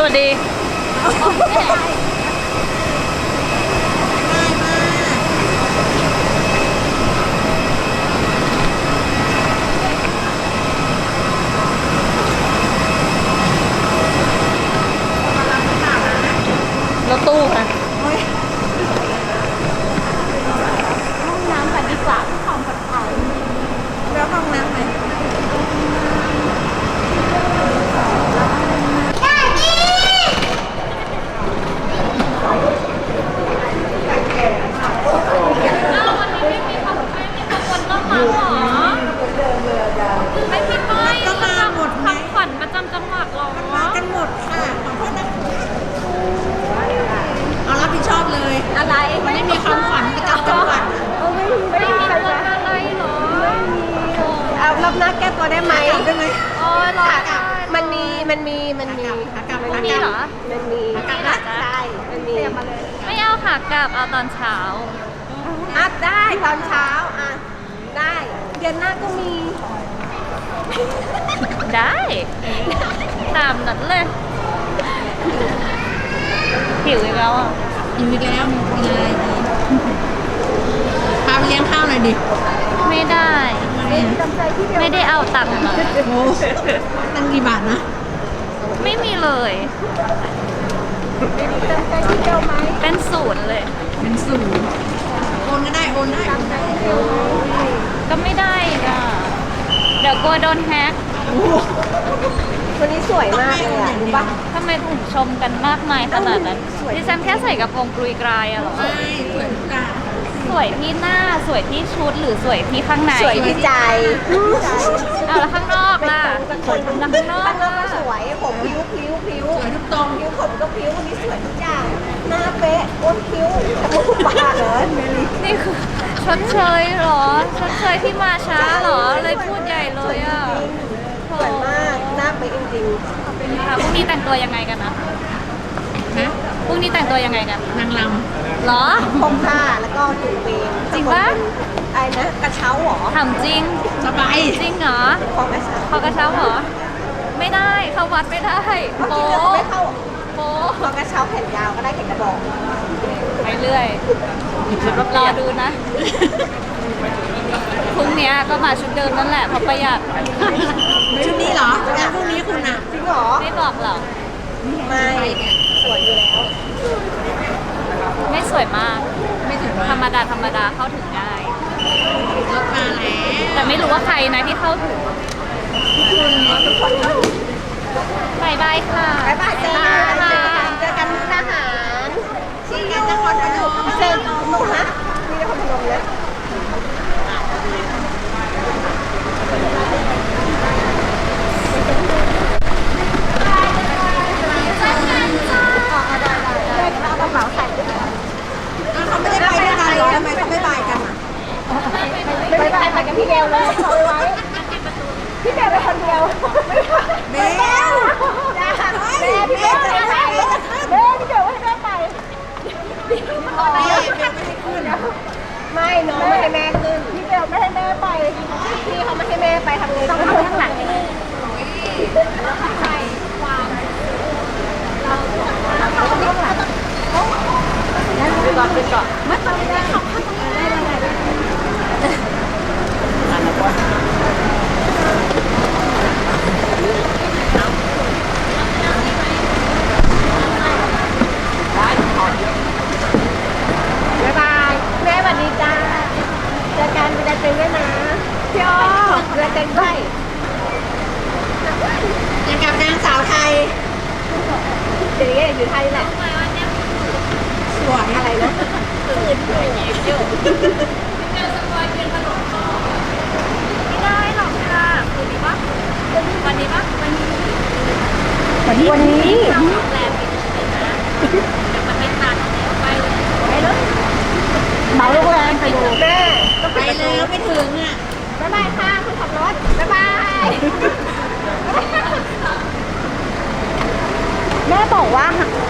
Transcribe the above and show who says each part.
Speaker 1: วัสดีรถตู้ค่ะห้องน้ำกันดีกว่าที่ความปลอดภัย
Speaker 2: แล้วห้องน้ำไหม
Speaker 1: ไม่มีป้าย
Speaker 2: ก็มาหมดไหม
Speaker 1: ขวัญประจำจังหวัดหรอ
Speaker 2: มากันหมดค่ะขอโทษนะเอารับผิดชอบเลยอะไรมันไม่มีความฝันประจำจังหวัด
Speaker 1: ไม่ได้มีรถอะไรหรอ
Speaker 3: เอารอบหน้าแก้ตัวได้ไหม
Speaker 2: ได้ไหม
Speaker 1: โอ้ยรอได้
Speaker 3: มันมี
Speaker 2: ขากลับ
Speaker 1: ไม่มีเหรอ
Speaker 3: มันมี
Speaker 2: กลับนะ
Speaker 3: ใช่มันมี
Speaker 1: ไม่เอาค่ะกลับเอาตอนเช้า
Speaker 3: อ่ะได้ตอนเช้าอ่ะได้เดือนหน้าก็มี
Speaker 1: ได้ตามนั้นเลยหิวอีกแล้วอ่ะ
Speaker 2: อยู่อีกแล้วมีอะไรดีพาไปเลี้ยงข้าวหน่อยดิ
Speaker 1: ไม่ได้ ไม่ได้เอาตังค์มา
Speaker 2: โอ้ตั้งกี่บาทนะ
Speaker 1: ไม่มีเลยเป็นศูนย์เลย
Speaker 2: เป็นศูนย์โอนก็ได้โอนได้
Speaker 1: ก็ไม่ได้อีกอ่ะเดี๋ยวกลัวโดนแฮก
Speaker 3: วันนี้สวยมากเลยอ่ะรู้ปะ
Speaker 1: ทำไมถึงชมกันมากมายขนาดนั้นดิฉันแค่ใส่กระโปรงกรุยกรายอะเหรอ
Speaker 2: ใช่สวยทุกอย่าง
Speaker 1: สวยที่หน้าสวยที่ชุดหรือสวยที่ข้างใน
Speaker 3: สวยที่ใจ
Speaker 1: เอาแล้วข้างนอกล่ะแล้วข้างนอก
Speaker 3: ข้างนอก
Speaker 1: ล่ะ
Speaker 3: ก็สวยผมผิวผิว
Speaker 2: สวยทุกตรง
Speaker 3: ผิวผมก็ผิววันนี้สวยทุกอย่างหน้าเป๊ะอ้วนคิ้วจมูกปากเหรอ
Speaker 1: นี่คือชดเชยเหรอชดเชยที่มาช้าเหรอเลยพูดใหญ่เลยอ่ะ
Speaker 3: สวยมากหน้าเป๊ะจริง
Speaker 1: ค่ะพรุ่งนี้แต่งตัวยังไงกันนะ
Speaker 2: ฮะ
Speaker 1: พรุ่งนี้แต่งตัวยังไงกัน
Speaker 2: นางล
Speaker 1: เหรอ
Speaker 3: ๆผมผ้าแล้วก็จุ่มเบง
Speaker 1: จริงปะ
Speaker 3: ไอ้นะกระเช้าเหรอ
Speaker 1: ถามจริง
Speaker 2: ำสบาย
Speaker 1: จริงเหรอ
Speaker 3: ของกระเช้า
Speaker 1: เขากระเช้าเหรอไม่ได้เข้าวัดไม่ได้
Speaker 3: เมื่อ
Speaker 1: โป๊
Speaker 3: กี้เราไม่เข้า
Speaker 1: โป๊
Speaker 3: ของกระเช้าแผ่นยาวก็ได้แข่งกระบอก
Speaker 1: ไปเรื่อยรอดูนะพรุ่งนี้ก็มาชุดเดิมนั่นแหละเพราะประหยัด
Speaker 2: ชุดนี้เหรอแล้วพรุ่งนี้คุณอ่ะ
Speaker 3: จริงเหรอ
Speaker 1: ไม่บอกหรอก
Speaker 3: ไม่สวยอยู่แล้ว
Speaker 1: ไม่สวยมาก
Speaker 2: ไม่ถึง
Speaker 1: ธรรมดาธรรมดาเข้าถึงง่าย
Speaker 2: รถมาแล้ว
Speaker 1: แต่ไม่รู้ว่าใครนะที่เข้าถึงบายบายค่ะ
Speaker 3: บ๊ายบายเจอกันเจอกันมุกดาหารชี้กันนครพนมเจอหนูนะมีนครพนมนะเอากระเป๋าใส่ด้วย
Speaker 2: เขาไม่ได้ไปด้วยกันเหรอทำไมเขาไม่ไปกันอ่ะ
Speaker 3: ไม่ไปกับพี่เบลเลยเอาไว้พี่เบลไปคนเดียว
Speaker 2: เบล
Speaker 3: แม่พี่เบลไปไหนแม่พี่เบลให้แม่ไป
Speaker 2: เบลไม่ได้ขึ้น
Speaker 3: ไม่น้องไม่ให้แม่ขึ้นพี่เบลไม่ให้แม่ไปพี่เขาไม่ให้แม่ไปทำไงต้องขึ้นข้างหลังนี่ก่อนเป็นก่อนไม่ต้องได้ขอบคุณบ๊ายบายแม่สวัสดีจ้าเจอกันเวลาเจอด้วยนะพี่อ้อเวลาเจอด้วย
Speaker 2: ยังกับนางสาวไทย
Speaker 3: เดี๋ยวนี้อยู่ไทยแหละ
Speaker 2: สวย
Speaker 3: อะไรนะ
Speaker 1: ไม่ได้หรอกค่ะคืนนี้ปะวันนี้ปะวันนี้
Speaker 3: วันนี้
Speaker 1: เราโรงแรมกินเลยนะเดี๋ยวมันไม่ทันแล้วไปเลย
Speaker 3: เหมาโรงแรมไปดูแม่ก็
Speaker 2: ไปแล้วไม่ถึงอ่ะ
Speaker 3: บ๊ายบายค่ะคุณขับรถบ๊ายบายแม่บอกว่า